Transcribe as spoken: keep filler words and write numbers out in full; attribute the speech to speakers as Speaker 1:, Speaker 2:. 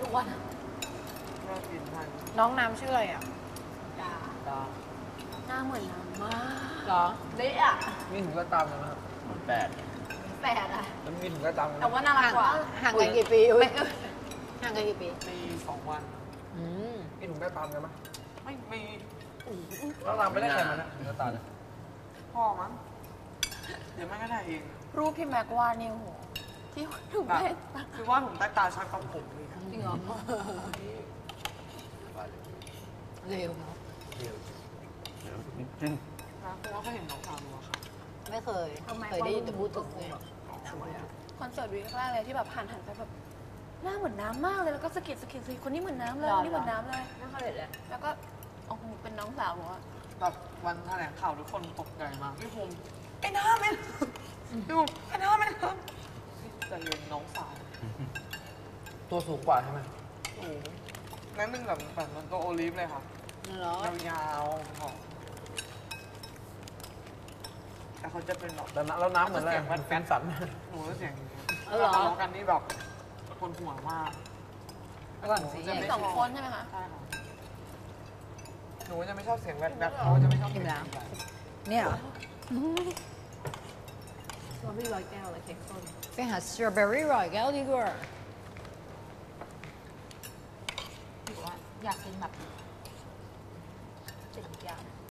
Speaker 1: กวัน
Speaker 2: น่ากินทัน
Speaker 3: น้องน้ำชื่ออะไรอ่ะ
Speaker 1: ดา
Speaker 2: ตา
Speaker 1: หน้าเหมือนน้ำมาก
Speaker 3: เหรอ
Speaker 1: เละอ่ะ
Speaker 2: มีถึงก็ตามกันไหมครับ
Speaker 4: แปด
Speaker 1: แปดอ่ะ
Speaker 2: แล้วมีถึงก็ตามกันไหม
Speaker 1: แต่ว่าน่ารักกว่า
Speaker 3: ห่างกันกี่ปีอุ้ยห่างกันกี่ปี
Speaker 2: ปีสองวัน
Speaker 3: อืม
Speaker 2: มีถึงก็ตามกันไหม
Speaker 5: ไม่มี
Speaker 2: เราตามไม่ได้แข่งมันนะถึงก็ตาม
Speaker 5: พ่อมั้งเดี๋ยวแม่ก็ได้เอง
Speaker 1: รูปพี่แม็กวาดเนี่ยโหที่ถูก
Speaker 5: แบบ
Speaker 1: แม่
Speaker 5: คือว่าผมใต้ตาชัดกับผมเลยอะ
Speaker 1: จริงเหรอ
Speaker 3: เร็วเนาะ
Speaker 4: เดี๋ยว
Speaker 5: นะเพราะว่าเขาเห็นน้องสาวหนูอะค่ะ
Speaker 3: ไม่เคยเคยได้ยินแต่พูดถึงไง
Speaker 1: คอนเสิร์ตวีคแรกเลยที่แบบผ่านหันไปแบบหน้าเหมือนน้ำมากเลยแล้วก็สะกิดสะกิดสิคนนี้เหมือนน้ำเลยคนนี้เหมือนน้ำเลย
Speaker 3: ไม่เคยเห็นเลย
Speaker 1: แล้วก็โอ้โหเป็นน้องสาวหนูอะ
Speaker 5: แบบวันแถลงข่าวทุกคนตกใจมากพี่ภูมิไอ้น้าไม่พี่ภูมิไอ้น้าไม่น้ำแต่เรียนน้องสาว
Speaker 2: ตัวสูงกว่าใช่ไหม
Speaker 5: โอ้โหนั่นหนึ่งแบบแบบมันตัวโอลิฟเลยค่ะ
Speaker 3: เหรอย
Speaker 5: าวๆหอมแต่เขาจะเป็นแบบ
Speaker 2: แล้วน้ำแล้วน้ำเหมือนอะไรมันแฟนสัน
Speaker 5: หนูก็เสียงอย่างเงี้ย
Speaker 3: เออเหรอ
Speaker 5: ทะเลาะกันนี่แบบคนหัวมาก
Speaker 2: ฝรั่งสี
Speaker 5: จะ
Speaker 1: มี
Speaker 5: ไม่
Speaker 1: สองคนใช่ไหมคะ
Speaker 5: ใช่ค่ะหนูจะไม่ชอบเสียงแวดแวดเขาจะไม่ชอบเสียงแบบ
Speaker 3: เนี่ยเหรอ
Speaker 1: สตรอเบอรี่ร้อยแก้วเลยเค้กส้ม
Speaker 3: ไปหาสตรอเบอรี่ร่อยแก้วดีกว่า
Speaker 1: หรือว่าอยากกินแบบเจ็ดอย่าง